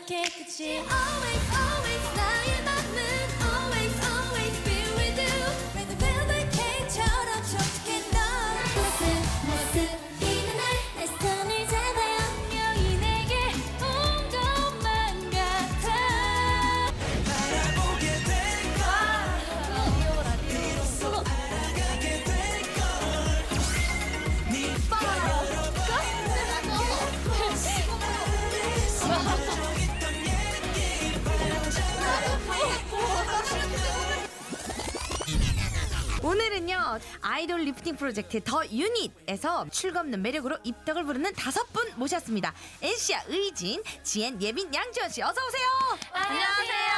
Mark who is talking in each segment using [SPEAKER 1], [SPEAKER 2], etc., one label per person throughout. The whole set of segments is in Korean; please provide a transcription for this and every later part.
[SPEAKER 1] 깨끗이 Always always 나의 맘은 Always always be with you Red velvet cake처럼 촉촉해 너 모습이는 날내 손을 잡아요 분명히 내게 온 것만 같아
[SPEAKER 2] 바라보게 될걸 비로소 알아가게 될걸 네가
[SPEAKER 3] 오늘은요 아이돌 리프팅 프로젝트 더 유닛에서 출없는 매력으로 입덕을 부르는 5분 모셨습니다. NC야 의진, 지엔, 예빈, 양지원씨 어서오세요.
[SPEAKER 1] 안녕하세요.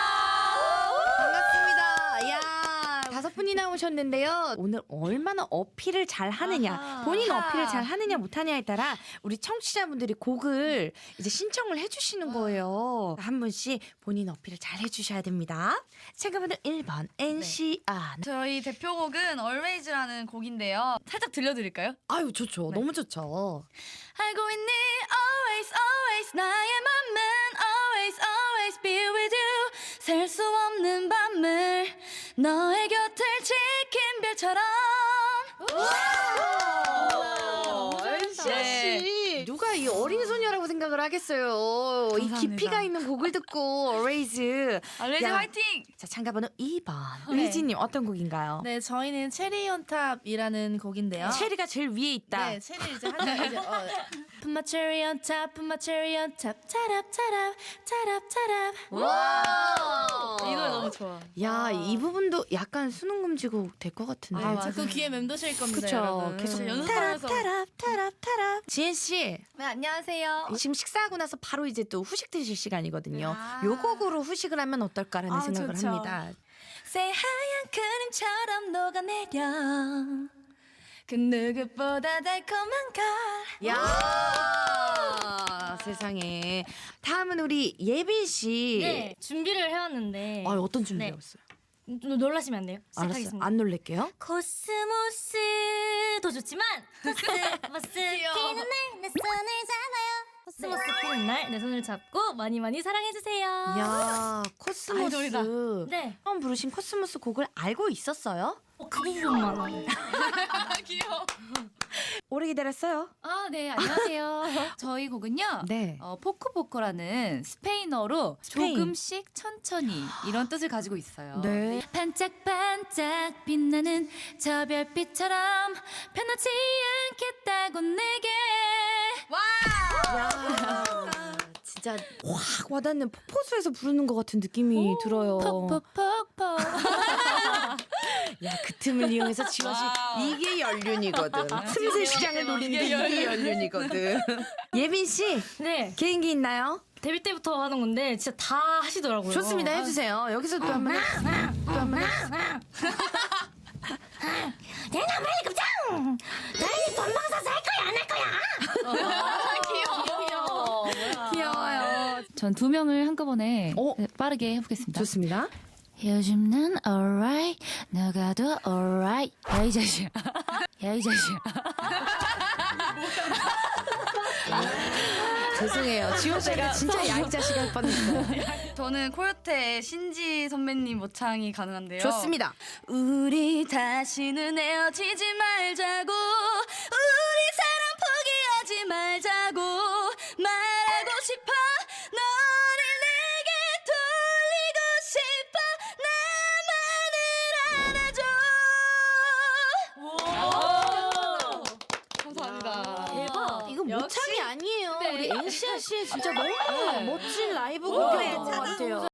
[SPEAKER 3] 반갑습니다. 야 5분이 나오셨는데요. 오늘 얼마나 어필을 잘 하느냐, 본인 어필을 잘 하느냐 못하냐에 따라 우리 청취자분들이 곡을 이제 신청을 해주시는 거예요. 한 분씩 본인 어필을 잘 해주셔야 됩니다. 참가번호 1번 NC야.
[SPEAKER 4] 저희 대표곡은 Always라는 곡인데요. 살짝 들려드릴까요?
[SPEAKER 3] 아유 좋죠. 너무 좋죠.
[SPEAKER 4] 알고 있니 always always 나의 맘은 always always be with you 셀 수 없는 밤을 너의 곁을 지킨 별처럼
[SPEAKER 3] NC야 씨, 누가 이 어린 소녀라고 생각을 하겠어요. 이
[SPEAKER 4] 감사합니다.
[SPEAKER 3] 깊이가 있는 곡을 듣고 Always.
[SPEAKER 4] Always
[SPEAKER 3] 야.
[SPEAKER 4] 화이팅!
[SPEAKER 3] 자 참가번호 2번
[SPEAKER 1] 네.
[SPEAKER 3] 의진님 어떤 곡인가요?
[SPEAKER 1] 네, 저희는 체리 온 탑이라는 곡인데요.
[SPEAKER 3] 체리가 제일 위에 있다.
[SPEAKER 1] 네, 체리 이제 한장 이제 Put my cherry on top, put my cherry on top, 차랍 차랍 차랍 차랍.
[SPEAKER 3] 와.
[SPEAKER 4] 이 노래 너무 좋아.
[SPEAKER 3] 야, 이 부분도 약간 수능 금지곡 될 것 같은데.
[SPEAKER 1] 네, 자꾸 귀에 맴도실 겁니다,
[SPEAKER 3] 그쵸.
[SPEAKER 1] 여러분.
[SPEAKER 3] 계속
[SPEAKER 4] 연습하면서.
[SPEAKER 3] 타랍. 지엔 씨,
[SPEAKER 4] 네, 안녕하세요.
[SPEAKER 3] 지금 식사하고 나서 바로 이제 또 후식 드실 시간이거든요.
[SPEAKER 4] 아.
[SPEAKER 3] 요 곡으로 후식을 하면 어떨까라는
[SPEAKER 4] 아,
[SPEAKER 3] 생각을
[SPEAKER 4] 좋죠.
[SPEAKER 3] 합니다.
[SPEAKER 4] 새하얀 크림처럼 녹아내려 그 누구보다 달콤한 걸
[SPEAKER 3] 야, 세상에. 다음은 우리 예빈 씨.
[SPEAKER 5] 네, 준비를 해왔는데
[SPEAKER 3] 아, 어떤 준비를
[SPEAKER 5] 네.
[SPEAKER 3] 했어요?
[SPEAKER 5] 놀라시면 안 돼요.
[SPEAKER 3] 알았어요.
[SPEAKER 5] 시작하겠습니다.
[SPEAKER 3] 안 놀랄게요.
[SPEAKER 5] 코스모스도 좋지만 코스모스 피는 날 내 손을 잡아요. 코스모스 피는 날 내 손을 잡고 많이 많이 사랑해주세요.
[SPEAKER 3] 야, 코스모스.
[SPEAKER 4] 아이돌이다.
[SPEAKER 5] 네,
[SPEAKER 3] 처음 부르신 코스모스 곡을 알고 있었어요?
[SPEAKER 5] 그 부분만 알아요.
[SPEAKER 4] 귀여워.
[SPEAKER 3] 오래 기다렸어요?
[SPEAKER 6] 아, 네, 안녕하세요. 저희 곡은요.
[SPEAKER 3] 네.
[SPEAKER 6] 포코포코라는 스페인어로
[SPEAKER 3] 스페인.
[SPEAKER 6] 조금씩 천천히 이런 뜻을 가지고 있어요.
[SPEAKER 3] 네.
[SPEAKER 6] 반짝반짝 빛나는 저 별빛처럼 변하지 않겠다고 내게.
[SPEAKER 3] 야, 진짜 확 와닿는 폭포수에서 부르는 것 같은 느낌이 들어요.
[SPEAKER 6] 폭폭폭폭.
[SPEAKER 3] 야, 그 틈을 이용해서 지원 씨 이게 연륜이거든. 틈새 시장을 노리는 게 이게 연륜이거든. 예빈 씨
[SPEAKER 5] 네,
[SPEAKER 3] 개인기 있나요?
[SPEAKER 5] 데뷔 때부터 하는 건데 진짜 다 하시더라고요.
[SPEAKER 3] 좋습니다. 해주세요. 여기서 또 한번 또 한번
[SPEAKER 5] 내가 빨리 급장! 너희는 돈 먹어서 살 거야 안 할 거야?
[SPEAKER 3] 귀여워요.
[SPEAKER 6] 전 2명을 한꺼번에
[SPEAKER 3] 어?
[SPEAKER 6] 빠르게 해보겠습니다.
[SPEAKER 3] 좋습니다.
[SPEAKER 6] 요즘 난 alright, 너가도 alright. 야, 이 자식아. 야, 이 자식아.
[SPEAKER 3] 죄송해요. 지원 씨가 진짜 야이 자식 할 뻔했어요.
[SPEAKER 4] 저는 코요태의 신지 선배님 모창이 가능한데요.
[SPEAKER 3] 좋습니다.
[SPEAKER 4] 우리 다시는 헤어지지 말자고 우리 사랑 포기하지 말자고 말하고 싶어 너를 내게 돌리고 싶어 나만을 안아줘. 감사합니다.
[SPEAKER 5] 대박.
[SPEAKER 3] 이거 모창이 아니에요. 우리 NCR 씨의 진짜 너무 멋진 라이브
[SPEAKER 4] 오.
[SPEAKER 3] 곡이었던 것 같아요.